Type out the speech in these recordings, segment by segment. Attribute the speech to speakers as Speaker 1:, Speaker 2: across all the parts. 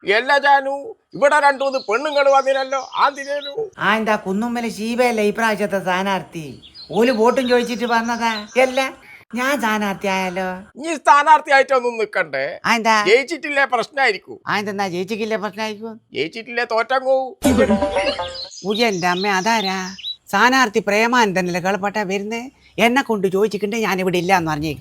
Speaker 1: എല്ലാ ജാനു ഇവിടെ 2-3 പെണ്ണുങ്ങൾ വന്നില്ലല്ലോ ആന്തിനു
Speaker 2: എന്താ കുന്നുമ്മല് ശീബയല്ലേ ഇപ്രാവശ്യത്തെ സ്ഥാനാർത്ഥി ഓല് വോട്ടും ചോദിച്ചിട്ട് പറഞ്ഞതാ അല്ല ഞാൻ സ്ഥാനാർത്ഥി ആയാലോ
Speaker 1: നീ സ്ഥാനാർത്ഥിയായിട്ടൊന്നും നിക്കണ്ടേ
Speaker 2: എന്താ
Speaker 1: ജയിച്ചിട്ടില്ലേ പ്രശ്നമായിരിക്കും
Speaker 2: എന്താ ജയിച്ചിക്കില്ലേ പ്രശ്നമായിരിക്കും
Speaker 1: ജയിച്ചിട്ടില്ലേ തോറ്റങ്ങോ
Speaker 2: ഉയ്യന്റെ അമ്മ അതാരാ സ്ഥാനാർത്ഥി പ്രേമാനന്ദനല്ലേ കളപ്പട്ട വരുന്നേ എന്നെ കൊണ്ട് ചോദിച്ചിട്ടുണ്ടേ ഞാനിവിടെ ഇല്ല എന്ന് പറഞ്ഞേ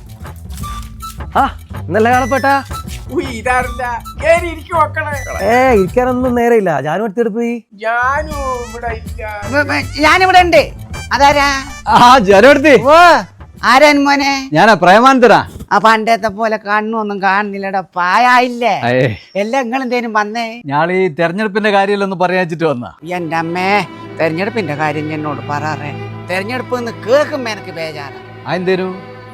Speaker 3: നല്ല കളപ്പട്ടാ
Speaker 1: ഇതാരല്ല കേറി ഇരിക്കും മക്കളെ
Speaker 3: ഇരിക്കാനൊന്നും നേരെയില്ല ഞാനും എടുത്തെടുപ്പ് പോയി
Speaker 1: ഞാനും ഇവിടെ ഇല്ല
Speaker 2: ഞാനിവിടെ ഉണ്ട് അതാരാ
Speaker 3: ജാനുവടുത്ത്
Speaker 2: ഓ ആരാൻ മോനെ
Speaker 3: ഞാനാ പ്രേമാനന്ദനാ
Speaker 2: ആ പണ്ടത്തെ പോലെ കണ്ണൊന്നും കാണുന്നില്ലടാ പായായില്ലേ എല്ലാം നിങ്ങളെന്തേലും വന്നേ
Speaker 3: ഞാളീ തെരഞ്ഞെടുപ്പിന്റെ കാര്യമല്ലൊന്ന് പറയാച്ചിട്ട് വന്നാ
Speaker 2: എന്റെ അമ്മേ തെരഞ്ഞെടുപ്പിന്റെ കാര്യം എന്നോട് പറയാറേ തെരഞ്ഞെടുപ്പ് എന്ന് കേൾക്കുമ്പോ എനിക്ക് ബേജാറാ
Speaker 3: അതെന്തേനു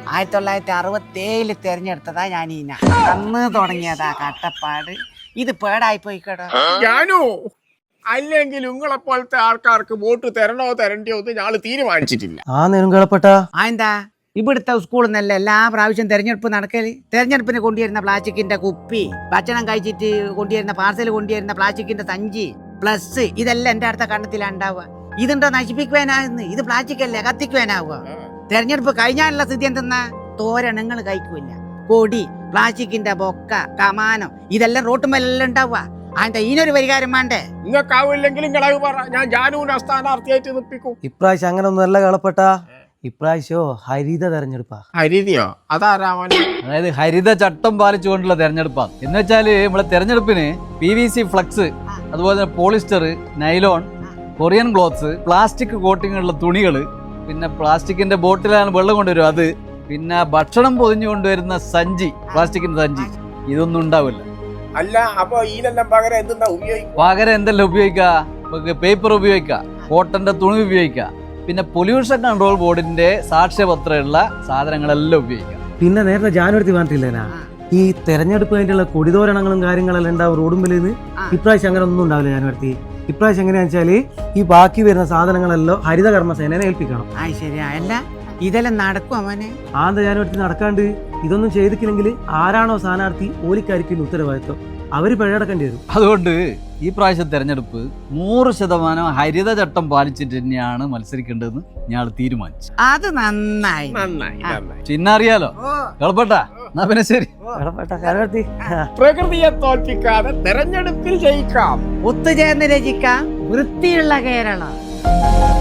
Speaker 2: 1967 തെരഞ്ഞെടുത്തതാ ഞാൻ അന്ന് തുടങ്ങിയതാ കട്ടപ്പാട് ഇത് പേടായി പോയിക്കടോ
Speaker 1: ഞാനോ അല്ലെങ്കിൽ നിങ്ങളെ പോലത്തെ ആൾക്കാർക്ക് വോട്ട് തരണോ തരണ്ടയോ എന്ന് ഞാള് തീരുമാനിച്ചിട്ടില്ല
Speaker 3: കളപ്പട്ടാ
Speaker 2: എന്താ ഇവിടുത്തെ സ്കൂളിൽ നിന്നല്ല എല്ലാ പ്രാവശ്യം തെരഞ്ഞെടുപ്പ് നടക്കല് തെരഞ്ഞെടുപ്പിന് കൊണ്ടുവരുന്ന പ്ലാസ്റ്റിക്കിന്റെ കുപ്പി ഭക്ഷണം കഴിച്ചിട്ട് കൊണ്ടുവരുന്ന പാർസൽ കൊണ്ടുവരുന്ന പ്ലാസ്റ്റിക്കിന്റെ സഞ്ചി പ്ലസ് ഇതെല്ലാം എന്റെ അടുത്ത കണ്ണത്തിലുണ്ടാവുക ഇതുണ്ടോ നശിപ്പിക്കുവാനാകുന്നു ഇത് പ്ലാസ്റ്റിക് അല്ലേ കത്തിക്കുവാനാവുക തെരഞ്ഞെടുപ്പ് കഴിഞ്ഞാലുള്ള സ്ഥിതി എന്തെന്നാ തോരണങ്ങൾ കഴിക്കൂല കൊടി പ്ലാസ്റ്റിക്കിന്റെ ബൊക്ക കമാനം ഇതെല്ലാം റോട്ടുമേലെല്ലാം ഉണ്ടാവുക അതിന്റെ ഇതിനൊരു പരിഹാരം വേണ്ടേ
Speaker 1: നിങ്ങൾക്കാവില്ലെങ്കിൽ നിങ്ങളെ പറ ഞാൻ ജാനുവിനെ സ്ഥാനാർത്ഥിയായിട്ട് നിപ്പിക്കും
Speaker 3: ഇപ്രാവശ്യം അങ്ങനെ ഒന്നും അല്ല കളപ്പട്ടാ ഇപ്രാവശ്യോ ഹരിത തെരഞ്ഞെടുപ്പാ
Speaker 1: ഹരിതയോ അതാരാമൻ
Speaker 3: അതായത് ഹരിത ചട്ടം പാലിച്ചുകൊണ്ടുള്ള തെരഞ്ഞെടുപ്പാണ് എന്ന് വെച്ചാല് നമ്മളെ തെരഞ്ഞെടുപ്പിന് PVC ഫ്ലക്സ് അതുപോലെ തന്നെ polyester nylon Korean cloths plastic coating ഉള്ള തുണികള് പിന്നെ പ്ലാസ്റ്റിക്കിന്റെ ബോട്ടിലാണ് വെള്ളം കൊണ്ടുവരും അത് പിന്നെ ഭക്ഷണം പൊതിഞ്ഞു കൊണ്ടുവരുന്ന സഞ്ചി പ്ലാസ്റ്റിക്കിന്റെ സഞ്ചി ഇതൊന്നും ഉണ്ടാവില്ല
Speaker 1: അല്ല അപ്പൊ ഇതിനെല്ലാം പകരം എന്തെന്നാ ഉപയോഗിക്കും
Speaker 3: പകരം എന്തെല്ലാം ഉപയോഗിക്കുക പേപ്പർ ഉപയോഗിക്കുക കോട്ടന്റെ തുണി ഉപയോഗിക്കുക പിന്നെ പൊല്യൂഷൻ കൺട്രോൾ ബോർഡിന്റെ സാക്ഷ്യപത്രമുള്ള സാധനങ്ങളെല്ലാം ഉപയോഗിക്കുക പിന്നെ നേരത്തെ ജാനുവരി പറഞ്ഞിട്ടില്ലേനാ ഈ തെരഞ്ഞെടുപ്പ് വേണ്ടിയുള്ള കൊടിതോരണങ്ങളും കാര്യങ്ങളെല്ലാം ഉണ്ടാവും റോഡുമ്പിൽ ഇപ്രാവശ്യം അങ്ങനെ ഒന്നും ഉണ്ടാവില്ല ജാനുവരി ഇപ്രാവശ്യം എങ്ങനെയാണെന്ന് വെച്ചാല് ഈ ബാക്കി വരുന്ന സാധനങ്ങളെല്ലാം ഹരിത കർമ്മസേനയെ ഏൽപ്പിക്കണം
Speaker 2: ശരിയാ അല്ല ഇതെല്ലാം നടക്കും അവനെ
Speaker 3: ജാനുവരി നടക്കാണ്ട് ഇതൊന്നും ചെയ്തിട്ടില്ലെങ്കിൽ ആരാണോ സ്ഥാനാർത്ഥി ഓലിക്കായിരിക്കും ഉത്തരവാദിത്വം അവര് പിഴയടക്കേണ്ടി വരും അതുകൊണ്ട് ഈ പ്രാവശ്യം തെരഞ്ഞെടുപ്പ് 100% ഹരിത ചട്ടം പാലിച്ചിട്ട് തന്നെയാണ് മത്സരിക്കേണ്ടതെന്ന് ഞാൻ തീരുമാനിച്ചു
Speaker 2: അത് നന്നായി
Speaker 3: ചിഹ്നം അറിയാലോ കളപ്പട്ടാ എന്നാ പിന്നെ ശരി
Speaker 1: പ്രകൃതിയെ തോൽപ്പിക്കാതെ തെരഞ്ഞെടുപ്പിൽ ജയിക്കാം
Speaker 2: ഒത്തുചേർന്ന് രചിക്കാം വൃത്തിയുള്ള കേരളം